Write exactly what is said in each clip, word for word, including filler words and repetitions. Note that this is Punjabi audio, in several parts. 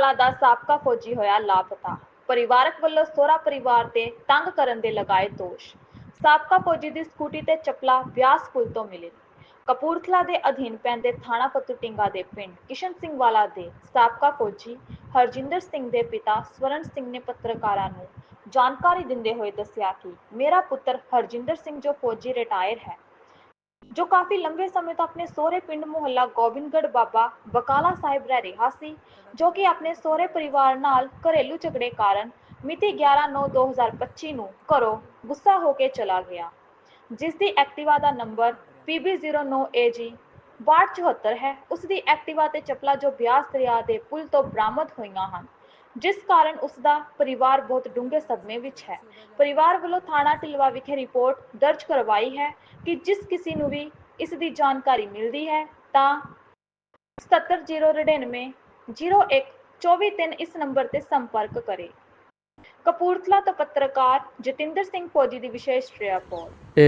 ਵਾਲਾ ਦਾ ਸਾਬਕਾ ਫੌਜੀ ਹੋਇਆ ਲਾਪਤਾ। ਪਰਿਵਾਰਕ ਵੱਲੋਂ ਸਹੁਰਾ ਪਰਿਵਾਰ ਤੇ ਤੰਗ ਕਰਨ ਦੇ ਲਗਾਏ ਦੋਸ਼। ਸਾਬਕਾ ਫੌਜੀ ਦੀ ਸਕੂਟੀ ਤੇ ਚੱਪਲਾਂ ਬਿਆਸ ਪੁਲ ਤੋਂ ਮਿਲੇ। ਕਪੂਰਥਲਾ ਦੇ ਅਧੀਨ ਪੈਂਦੇ ਥਾਣਾ ਫਤੂਟਿੰਗਾ ਦੇ ਪਿੰਡ ਕਿਸ਼ਨ ਸਿੰਘ ਵਾਲਾ ਦੇ ਸਾਬਕਾ ਫੌਜੀ ਹਰਜਿੰਦਰ ਸਿੰਘ ਦੇ ਪਿਤਾ ਸਵਰਨ ਸਿੰਘ ਨੇ ਪੱਤਰਕਾਰਾਂ ਨੂੰ ਜਾਣਕਾਰੀ ਦਿੰਦੇ ਹੋਏ ਦੱਸਿਆ ਕਿ ਮੇਰਾ ਪੁੱਤਰ ਹਰਜਿੰਦਰ ਸਿੰਘ ਜੋ ਫੌਜੀ ਰਿਟਾਇਰ ਹੈ, ਜੋ ਕਾਫੀ ਲੰਬੇ ਸਮੇਂ ਤੋਂ ਆਪਣੇ ਸਹੁਰੇ ਪਿੰਡ ਮੁਹੱਲਾ ਗੋਬਿੰਦਗੜ੍ਹ ਬਾਬਾ ਬਕਾਲਾ ਸਾਹਿਬ ਰਹਿ ਰਿਹਾ ਸੀ, ਜੋ ਕਿ ਆਪਣੇ ਸਹੁਰੇ ਪਰਿਵਾਰ ਨਾਲ ਘਰੇਲੂ ਝਗੜੇ ਕਾਰਨ ਮਿਤੀ ਗਿਆਰਾਂ ਨੌਂ ਦੋ ਹਜ਼ਾਰ ਪੱਚੀ ਨੂੰ ਘਰੋਂ ਗੁੱਸਾ ਹੋ ਕੇ ਚਲਾ ਗਿਆ, ਜਿਸ ਦੀ ਐਕਟਿਵਾ ਦਾ ਨੰਬਰ ਪੀ ਬੀ ਜ਼ੀਰੋ ਨੌਂ ਏ ਜੀ ਬਾਹਠ ਚੁਹੱਤਰ ਹੈ। ਉਸ ਦੀ ਐਕਟਿਵਾ ਤੇ ਚੱਪਲਾਂ ਜੋ ਬਿਆਸ ਦਰਿਆ ਦੇ ਪੁਲ ਤੋਂ ਬਰਾਮਦ ਹੋਈਆਂ ਹਨ, ਜਿਸ ਕਾਰਨ ਉਸ ਦਾ ਪਰਿਵਾਰ ਬਹੁਤ ਡੂੰਘੇ ਸਦਮੇ ਵਿੱਚ ਹੈ। ਪਰਿਵਾਰ ਵੱਲੋਂ ਥਾਣਾ ਢਿਲਵਾਂ ਵਿਖੇ ਰਿਪੋਰਟ ਦਰਜ ਕਰਵਾਈ ਹੈ ਕਿ ਜਿਸ ਕਿਸੇ ਨੂੰ ਵੀ ਇਸ ਦੀ ਜਾਣਕਾਰੀ ਮਿਲਦੀ ਹੈ ਤਾਂ ਸਤੱਤਰ ਜ਼ੀਰੋ ਨੜਿਨਵੇਂ ਜ਼ੀਰੋ ਇੱਕ ਚੌਵੀ ਤਿੰਨ ਇਸ ਨੰਬਰ ਤੇ ਸੰਪਰਕ ਕਰੇ। ਕਪੂਰਥਲਾ ਤੋਂ ਪੱਤਰਕਾਰ ਜਤਿੰਦਰ ਸਿੰਘ ਫੌਜੀ ਦੀ ਵਿਸ਼ੇਸ਼ ਰਿਪੋਰਟ।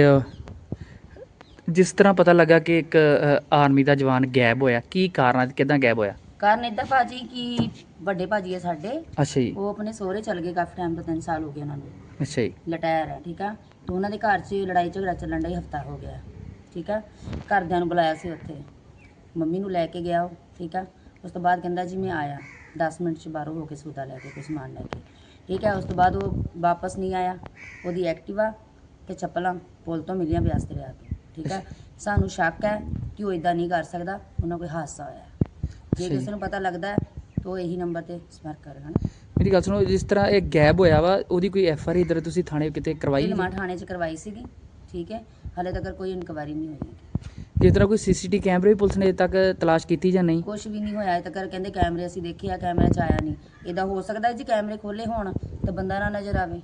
ਜਿਸ ਤਰ੍ਹਾਂ ਪਤਾ ਲੱਗਾ ਕਿ ਇੱਕ ਆਰਮੀ ਦਾ ਜਵਾਨ ਗਾਇਬ ਹੋਇਆ, ਕੀ ਕਾਰਨ ਹੈ, ਕਿੱਦਾਂ ਗਾਇਬ ਹੋਇਆ? ਕਾਰਨ ਇੱਦਾਂ ਭਾਜੀ ਕਿ ਵੱਡੇ ਭਾਜੀ ਹੈ ਸਾਡੇ। ਅੱਛਾ ਜੀ। ਉਹ ਆਪਣੇ ਸਹੁਰੇ ਚਲ ਗਏ ਕਾਫੀ ਟਾਈਮ ਤੋਂ, ਤਿੰਨ ਸਾਲ ਹੋ ਗਏ ਉਹਨਾਂ ਨੂੰ। ਅੱਛਾ ਜੀ। ਲਟਾਇਰ ਹੈ, ਠੀਕ ਆ। ਤੇ ਉਹਨਾਂ ਦੇ ਘਰ 'ਚ ਲੜਾਈ ਝਗੜਾ ਚੱਲਣ ਦਾ ਹਫਤਾ ਹੋ ਗਿਆ, ਠੀਕ ਆ। ਘਰਦਿਆਂ ਨੂੰ ਬੁਲਾਇਆ ਸੀ ਉੱਥੇ, ਮੰਮੀ ਨੂੰ ਲੈ ਕੇ ਗਿਆ ਉਹ, ਠੀਕ ਆ। ਉਸ ਤੋਂ ਬਾਅਦ ਕਹਿੰਦਾ ਜੀ ਮੈਂ ਆਇਆ ਦਸ ਮਿੰਟ 'ਚ ਬਾਹਰੋਂ ਹੋ ਕੇ ਸੌਦਾ ਲੈ ਕੇ, ਕੋਈ ਸਮਾਨ ਲੈ ਕੇ, ਠੀਕ ਹੈ। ਉਸ ਤੋਂ ਬਾਅਦ ਉਹ ਵਾਪਸ ਨਹੀਂ ਆਇਆ। ਉਹਦੀ ਐਕਟਿਵਾ ਅਤੇ ਚੱਪਲਾਂ ਪੁਲ ਤੋਂ ਮਿਲੀਆਂ ਬਿਆਸ ਦਰਿਆ ਤੋਂ, ਠੀਕ ਹੈ। ਸਾਨੂੰ ਸ਼ੱਕ ਹੈ ਕਿ ਉਹ ਇੱਦਾਂ ਨਹੀਂ ਕਰ ਸਕਦਾ, ਉਹਨਾਂ ਕੋਈ ਹਾਦਸਾ ਹੋਇਆ। ਜੇ ਕਿਸੇ ਨੂੰ ਪਤਾ ਲੱਗਦਾ ਤਾਂ ਉਹ ਇਹੀ ਨੰਬਰ 'ਤੇ ਸੰਪਰਕ ਕਰੇਗਾ ਨਾ। ਮੇਰੀ ਗੱਲ ਸੁਣੋ, ਜਿਸ ਤਰ੍ਹਾਂ ਇਹ ਗਾਇਬ ਹੋਇਆ ਵਾ, ਉਹਦੀ ਕੋਈ ਐਫ ਆਰ ਆਈ ਇੱਧਰ ਤੁਸੀਂ ਥਾਣੇ ਕਿਤੇ ਕਰਵਾਈ? ਢਿਲਵਾਂ ਥਾਣੇ 'ਚ ਕਰਵਾਈ ਸੀਗੀ, ਠੀਕ ਹੈ। ਹਾਲੇ ਤੱਕ ਕੋਈ ਇਨਕੁਆਇਰੀ ਨਹੀਂ ਹੋਈ। ਜਿਸ ਤਰ੍ਹਾਂ ਕੋਈ ਸੀ ਸੀ ਟੀ ਕੈਮਰੇ ਵੀ ਪੁਲਿਸ ਨੇ ਅਜੇ ਤੱਕ ਤਲਾਸ਼ ਕੀਤੀ ਜਾਂ ਨਹੀਂ? ਕੁਛ ਵੀ ਨਹੀਂ ਹੋਇਆ ਅਜੇ ਤੱਕ। ਕਹਿੰਦੇ ਕੈਮਰੇ ਅਸੀਂ ਦੇਖੇ ਆ, ਕੈਮਰੇ 'ਚ ਆਇਆ ਨਹੀਂ। ਇੱਦਾਂ ਹੋ ਸਕਦਾ ਜੀ ਕੈਮਰੇ ਖੋਲ੍ਹੇ ਹੋਣ ਤਾਂ ਬੰਦਾ ਨਾ ਨਜ਼ਰ ਆਵੇ।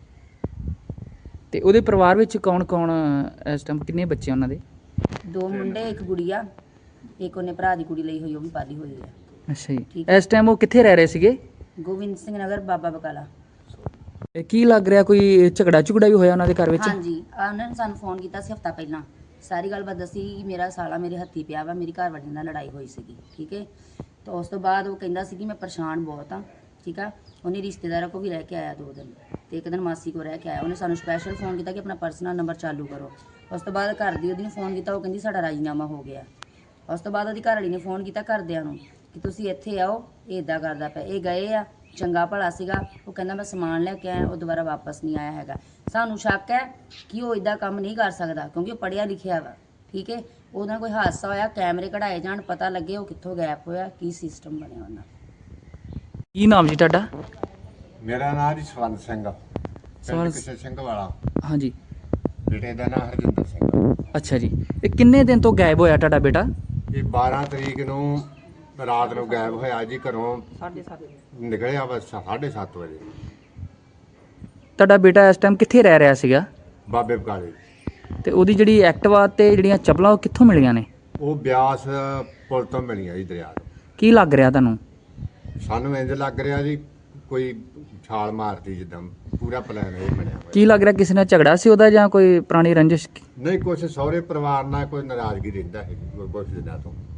ਤੇ ਉਹਦੇ ਪਰਿਵਾਰ ਵਿੱਚ ਕੌਣ ਕੌਣ ਇਸ ਟਾਈਮ, ਕਿੰਨੇ ਬੱਚੇ ਉਹਨਾਂ ਦੇ? ਦੋ ਮੁੰਡੇ, ਇੱਕ ਗੁੜੀਆ, ਇੱਕ ਉਹਨੇ ਭਰਾ ਦੀ ਕੁੜੀ ਲਈ ਹੋਈ, ਉਹ ਵੀ ਪਾਲੀ ਹੋਈ ਹੈ। ਅੱਛਾ ਜੀ। ਇਸ ਟਾਈਮ ਉਹ ਕਿੱਥੇ ਰਹਿ ਰਹੇ ਸੀਗੇ? ਗੋਬਿੰਦ ਸਿੰਘ ਨਗਰ, ਬਾਬਾ ਬਕਾਲਾ। ਇਹ ਕੀ ਲੱਗ ਰਿਹਾ, ਕੋਈ ਝਗੜਾ ਝੁਗੜਾ ਵੀ ਹੋਇਆ ਉਹਨਾਂ ਦੇ ਘਰ ਵਿੱਚ? ਹਾਂਜੀ, ਉਹਨਾਂ ਨੇ ਸਾਨੂੰ ਫੋਨ ਕੀਤਾ ਸੀ ਹਫਤਾ ਪਹਿਲਾਂ, ਸਾਰੀ ਗੱਲਬਾਤ ਦੱਸੀ ਕਿ ਮੇਰਾ ਸਾਲਾ ਮੇਰੇ ਹੱਥੀ ਪਿਆ ਵਾ, ਮੇਰੀ ਘਰ ਵਾਲੀ ਨਾਲ ਲੜਾਈ ਹੋਈ ਸੀਗੀ, ਠੀਕ ਹੈ। ਤਾਂ ਉਸ ਤੋਂ ਬਾਅਦ ਉਹ ਕਹਿੰਦਾ ਸੀ ਕਿ ਮੈਂ ਪਰੇਸ਼ਾਨ ਬਹੁਤ ਹਾਂ, ਠੀਕ ਆ। ਉਹਨੇ ਰਿਸ਼ਤੇਦਾਰਾਂ ਕੋਲ ਵੀ ਰਹਿ ਕੇ ਆਇਆ ਦੋ ਦਿਨ, ਅਤੇ ਇੱਕ ਦਿਨ ਮਾਸੀ ਕੋਲ ਰਹਿ ਕੇ ਆਇਆ। ਉਹਨੇ ਸਾਨੂੰ ਸਪੈਸ਼ਲ ਫੋਨ ਕੀਤਾ ਕਿ ਆਪਣਾ ਪਰਸਨਲ ਨੰਬਰ ਚਾਲੂ ਕਰੋ। ਉਸ ਤੋਂ ਬਾਅਦ ਘਰ ਦੀ ਉਹਦੀ ਨੂੰ ਫੋਨ ਕੀਤਾ, ਉਹ ਕਹਿੰਦੀ ਸਾਡਾ ਰਾਜੀਨਾਮਾ ਹੋ ਗਿਆ। ਉਸ ਤੋਂ ਬਾਅਦ ਉਹਦੀ ਘਰ ਵਾਲੀ ਨੇ ਫੋਨ ਕੀਤਾ ਘਰਦਿਆਂ ਨੂੰ ਕਿ ਤੁਸੀਂ ਇੱਥੇ ਆਓ, ਇਹ ਇੱਦਾਂ ਕਰਦਾ ਪਿਆ। ਇਹ ਗਏ ਆ, ਚੰਗਾ ਭਲਾ ਸੀਗਾ, ਉਹ ਕਹਿੰਦਾ ਮੈਂ ਸਮਾਨ ਲੈ ਕੇ ਆਇਆ, ਉਹ ਦੁਬਾਰਾ ਵਾਪਸ ਨਹੀਂ ਆਇਆ ਹੈਗਾ। ਸਾਨੂੰ ਸ਼ੱਕ ਹੈ ਕਿ ਉਹ ਇੱਦਾਂ ਕੰਮ ਨਹੀਂ ਕਰ ਸਕਦਾ, ਕਿਉਂਕਿ ਉਹ ਪੜ੍ਹਿਆ ਲਿਖਿਆ ਵਾ, ਠੀਕ ਹੈ। ਉਹਦੇ ਨਾਲ ਕੋਈ ਹਾਦਸਾ ਹੋਇਆ, ਕੈਮਰੇ ਕਢਾਏ ਜਾਣ, ਪਤਾ ਲੱਗੇ ਉਹ ਕਿੱਥੋਂ ਗਾਇਬ ਹੋਇਆ, ਕੀ ਸਿਸਟਮ ਬਣਿਆ ਉਹਨਾਂ। ਕੀ ਨਾਮ ਜੀ ਤੁਹਾਡਾ? ਮੇਰਾ ਨਾਮ ਜੀ ਸਵਰਨ ਸਿੰਘ, ਪਿੰਡ ਕਿਸੇ ਸਿੰਘ ਵਾਲਾ। ਹਾਂਜੀ। ਬੇਟੇ ਦਾ ਨਾਮ ਹਰਜਿੰਦਰ ਸਿੰਘ। ਅੱਛਾ ਜੀ। ਇਹ ਕਿੰਨੇ ਦਿਨ ਤੋਂ ਗਾਇਬ ਹੋਇਆ ਤੁਹਾਡਾ ਬੇਟਾ? ਇਹ ਬਾਰਾਂ ਤਰੀਕ ਨੂੰ ਰਾਤ ਨੂੰ ਗਾਇਬ ਹੋਇਆ ਜੀ ਘਰੋਂ, ਨਿਕਲਿਆ ਬਸ ਸਾਢੇ ਸੱਤ ਵਜੇ। ਤੁਹਾਡਾ ਬੇਟਾ ਇਸ ਟਾਈਮ ਕਿੱਥੇ ਰਹਿ ਰਿਹਾ ਸੀਗਾ? ਬਾਬੇ ਬਕਾਲੇ। ਤੇ ਉਹਦੀ ਜਿਹੜੀ ਐਕਟਿਵਾ ਤੇ ਜਿਹੜੀਆਂ ਚੱਪਲਾਂ ਉਹ ਕਿੱਥੋਂ ਮਿਲੀਆਂ ਨੇ? ਉਹ ਬਿਆਸ ਪੁਲ ਤੋਂ ਮਿਲੀਆਂ ਜੀ, ਦਰਿਆ ਤੋਂ। ਕੀ ਲੱਗ ਰਿਹਾ ਤੁਹਾਨੂੰ? ਸਾਨੂੰ ਇੰਜ ਲੱਗ ਰਿਹਾ ਜੀ ਕੋਈ ਛਾਲ ਮਾਰਤੀ, ਜਿੱਦਾਂ ਪੂਰਾ ਪਲਾਨ ਇਹ ਬਣਿਆ ਹੋਇਆ। ਕੀ ਲੱਗ ਰਿਹਾ, ਕਿਸੇ ਨਾਲ ਝਗੜਾ ਸੀ ਉਹਦਾ ਜਾਂ ਕੋਈ ਪੁਰਾਣੀ ਰੰਜਿਸ਼? ਨਹੀਂ, ਕੁਛ ਸਹੁਰੇ ਪਰਿਵਾਰ ਨਾਲ ਕੋਈ ਨਾਰਾਜ਼ਗੀ ਰਹਿੰਦਾ ਹੈ ਕੁਛ ਦਿਨਾਂ ਤੋਂ।